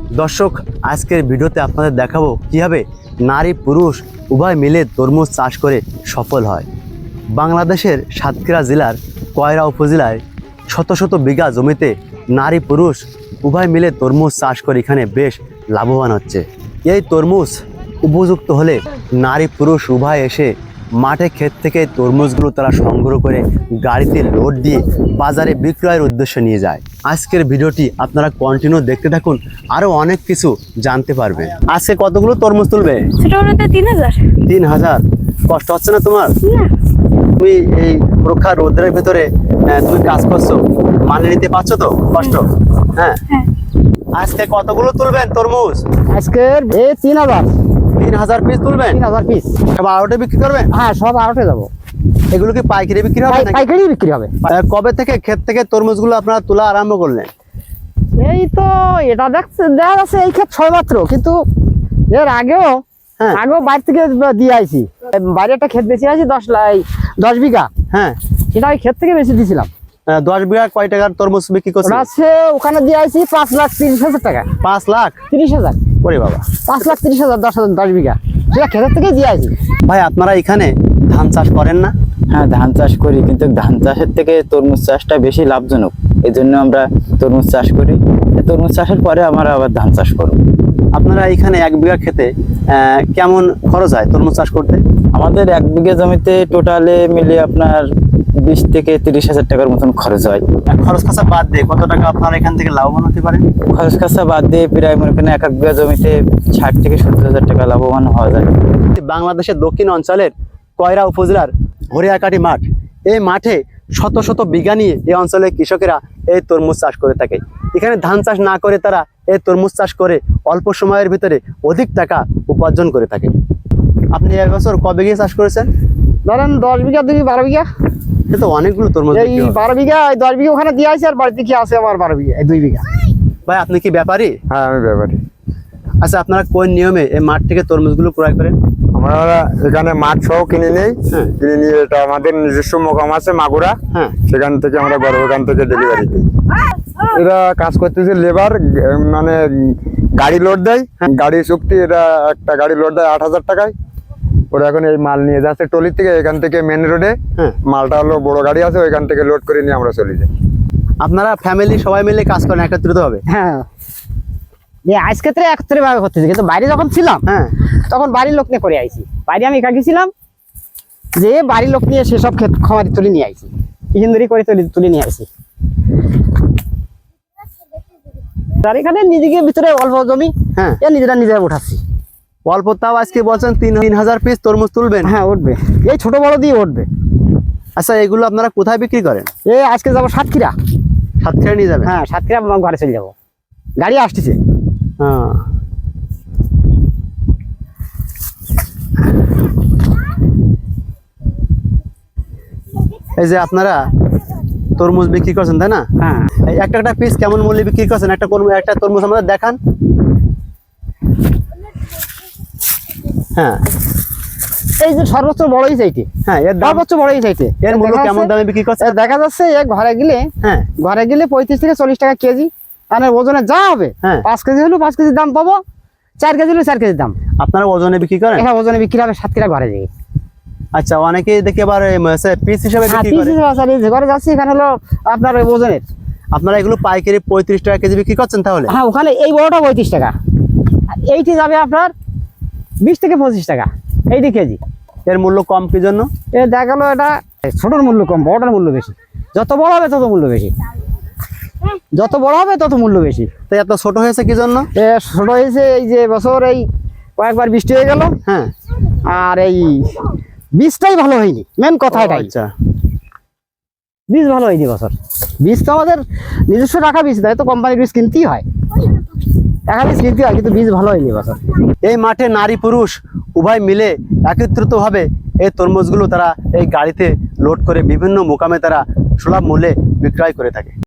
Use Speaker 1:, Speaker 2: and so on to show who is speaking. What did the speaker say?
Speaker 1: দর্শক, আজকের ভিডিওতে আপনাদের দেখাবো কিভাবে নারী পুরুষ উভয় মিলে তরমুজ চাষ করে সফল হয়। বাংলাদেশের সাতক্ষীরা জেলার কয়রা উপজেলায় শত শত বিঘা জমিতে নারী পুরুষ উভয় মিলে তরমুজ চাষ করে এখানে বেশ লাভবান হচ্ছে। এই তরমুজ উপযুক্ত হলে নারী পুরুষ উভয় এসে মাঠে ক্ষেত থেকে তরমুজগুলো তারা সংগ্রহ করে গাড়িতে লোড দিয়ে বাজারে বিক্রয়ের উদ্দেশ্যে নিয়ে যায়। আজকের ভিডিওটি আপনারা কন্টিনিউ দেখতে থাকুন, আরো অনেক কিছু জানতে পারবেন। আজকে কতগুলো তরমুজ তুলবে? 3000। কষ্ট হচ্ছে না তোমার? তুমি এই প্রখর রোদের ভিতরে তুমি কাজ করছো, মানে নিতে পারছো তো কষ্ট? হ্যাঁ। আজকে কতগুলো তুলবেন তরমুজ?
Speaker 2: আজকে
Speaker 1: 3000 পিস তুলবেন?
Speaker 2: 3000 পিস।
Speaker 1: সব আড়তে বিক্রি করবেন?
Speaker 2: হ্যাঁ, সব আড়তে যাবো।
Speaker 1: এগুলো কি পাইকারি বিক্রি হবে?
Speaker 2: পাইকারি বিক্রি হবে।
Speaker 1: কবে থেকে ক্ষেত থেকে তরমুজগুলো আপনারা তোলা আরম্ভ করলেন?
Speaker 2: এই তো এটা দেখা যাচ্ছে এই ক্ষেত ছয় মাত্র, কিন্তু এর আগেও বাইরে থেকে দিয়ে আইছি। বাইরে একটা ক্ষেত বেশি আছে 10 বিঘা।
Speaker 1: হ্যাঁ,
Speaker 2: সেটা ওই ক্ষেত থেকে বেশি দিয়েছিলাম।
Speaker 1: 10 বিঘা কয় টাকার তরমুজ বিক্রি করছেন?
Speaker 2: ওখানে দিয়ে আইছি 5,30,000 টাকা।
Speaker 1: 5,30,000? ওরে বাবা,
Speaker 2: 5,30,000 10 বিঘা সেটা ক্ষেতের থেকে দিয়ে আইছি।
Speaker 1: ভাই, আপনারা এখানে ধান চাষ করেন না?
Speaker 3: হ্যাঁ, ধান চাষ করি, কিন্তু ধান চাষের থেকে তরমুজ চাষটা বেশি লাভজনক। এই জন্য আমরা তরমুজ চাষ করি। তরমুজ চাষের পরে আমরা আবার ধান চাষ করব।
Speaker 1: আপনারা এখানে 1 বিঘা খেতে কেমন খরচ হয় তরমুজ চাষ করতে?
Speaker 3: আমাদের 1 বিঘা জমিতে টোটালে মিলে আপনার 20 থেকে 30,000 টাকার মতন খরচ হয়।
Speaker 1: খরচ খরচা বাদ দিয়ে কত টাকা আপনারা এখান থেকে লাভবান হতে পারেন?
Speaker 3: খরচ খরচা বাদ দিয়ে প্রায় মনে করেন 1 বিঘা জমিতে 60 থেকে 70,000 টাকা লাভবান হওয়া যায়।
Speaker 1: বাংলাদেশের দক্ষিণ অঞ্চলের কয়রা উপজেলার হরিয়াকাটি মাঠ, এই মাঠে শত শত বিঘা নিয়ে এই অঞ্চলের কৃষকেরা এই তরমুজ চাষ করে থাকে। এখানে ধান চাষ না করে তারা এই তরমুজ চাষ করে অল্প সময়ের ভিতরে অধিক টাকা উপার্জন করে থাকে। আপনি এবছর কবে বিঘা চাষ করেছেন?
Speaker 2: ধরেন 10 বিঘা, 12 বিঘা।
Speaker 1: এ তো অনেকগুলো তরমুজ।
Speaker 2: এই 12 বিঘা, 10 বিঘা ওখানে দিয়ে আইছি, আর বাড়িতে কি আছে আমার 12 বিঘা, 2 বিঘা।
Speaker 1: ভাই, আপনি কি ব্যাপারী?
Speaker 4: হ্যাঁ, আমি ব্যাপারী।
Speaker 1: আচ্ছা, আপনারা কোন নিয়মে এই মাঠ থেকে তরমুজগুলো ক্রয় করেন?
Speaker 4: আমরা এখানে মাঠ সহ কিনে নেই। কিনে নিয়ে এটা আমাদের নিজস্ব মোকাম আছে মাগুরা।
Speaker 1: হ্যাঁ,
Speaker 4: সেখান থেকে আমরা বড় ওখান থেকে ডেলিভারি দিই। এরা কাজ করতেছে লেবার, মানে গাড়ি লোড দেয়। গাড়ি চুক্তি, এটা একটা গাড়ি লোড দেয় 8,000 টাকায়। ওরা এখন এই মাল নিয়ে যাচ্ছে টলি থেকে, এখান থেকে মেন রোডে। মালটা হলো বড় গাড়ি আছে, ওইখান থেকে লোড করে নিয়ে আমরা চলে যাই।
Speaker 1: আপনারা ফ্যামিলি সবাই মিলে কাজ করেন একত্রিত হবে?
Speaker 2: হ্যাঁ, আজকে একত্রে ভাবে করতেছি, কিন্তু বাইরে যখন ছিলাম তখন বাড়ির লোক নিয়ে করে আইছি। বাইরে আমি একা গেছিলাম, যে বাড়ির লোক নিয়ে সেসব ক্ষেত খামারি তুলে নিয়ে আইছি, ইঞ্জিনিয়ারি করে তুলে নিয়ে আইছি। তার এখানে নিজেকে ভিতরে অল্প জমি, নিজেরা উঠাচ্ছি।
Speaker 1: অল্প, তাও আজকে বলছেন 3,000 পিস তরমুজ তুলবেন?
Speaker 2: হ্যাঁ, উঠবে, এই ছোট বড় দিয়ে উঠবে।
Speaker 1: আচ্ছা, এগুলো আপনারা কোথায় বিক্রি করেন?
Speaker 2: আজকে যাবো সাতক্ষীরা।
Speaker 1: সাতক্ষীরা নিয়ে যাবেন?
Speaker 2: হ্যাঁ, সাতক্ষীরা ঘরে চলে যাবো, গাড়ি আসতেছে।
Speaker 1: এই যে আপনারা তরমুজ বিক্রি করছেন, তাই না?
Speaker 2: হ্যাঁ।
Speaker 1: একটা পিস কেমন মূল্যে বিক্রি করছেন? একটা তরমুজ আমাদের দেখান। হ্যাঁ,
Speaker 2: এই যে সর্বোচ্চ বড়ই চাইতে।
Speaker 1: হ্যাঁ, এর
Speaker 2: সর্বোচ্চ বড়ই চাইতে।
Speaker 1: এর মূল্য কেমন দামে বিক্রি করছে
Speaker 2: দেখা যাচ্ছে? ঘরে গেলে 35 থেকে 40 টাকা কেজি। মানে ওজনে যা হবে, 5 কেজি হলো 5 কেজির দাম পাবো, 4 কেজি হলো 4 কেজির দাম।
Speaker 1: আপনারা ওজনে বিক্রি করেন?
Speaker 2: হ্যাঁ, ওজনে বিক্রি হবে সাতক্ষীরা ঘরে যাই।
Speaker 1: আচ্ছা, অনেকে দেখি আবার পিস হিসাবে বিক্রি করে।
Speaker 2: ঘরে যাচ্ছি, এখানে হলো আপনার ওজনের।
Speaker 1: আপনারা এগুলো পাইকারি 35 টাকা কেজি বিক্রি করছেন তাহলে?
Speaker 2: হ্যাঁ, ওখানে এই বড়টা 35 টাকা, এইটি যাবে আপনার 20 থেকে 25 টাকা এইটি কেজি।
Speaker 1: এর মূল্য কম কি জন্য?
Speaker 2: দেখা গেল এটা ছোটর মূল্য কম, বড়টার মূল্য বেশি। যত বড় হবে তত মূল্য বেশি, যত বড় হবে তত মূল্য বেশি।
Speaker 1: তো এত ছোট হয়েছে কি জন্য?
Speaker 2: ছোট হয়েছে এই যে বছর এই কয়েকবার বৃষ্টি হয়ে গেল। হ্যাঁ, আর এই বীজটাই ভালো হয়নি, মেন কথা এটাই।
Speaker 1: আচ্ছা,
Speaker 2: বীজ ভালো হয়নি বছর। বীজ তো আমাদের নিজস্ব রাখা বীজ, তাই তো কোম্পানির বীজ কিনতেই হয়, টাকা বীজ কিনতে হয়, কিন্তু বীজ ভালো হয়নি বছর।
Speaker 1: এই মাঠে নারী পুরুষ উভয় মিলে একত্রিত ভাবে এই তরমুজগুলো তারা এই গাড়িতে লোড করে বিভিন্ন মোকামে তারা সুলভ মূল্যে বিক্রয় করে থাকে।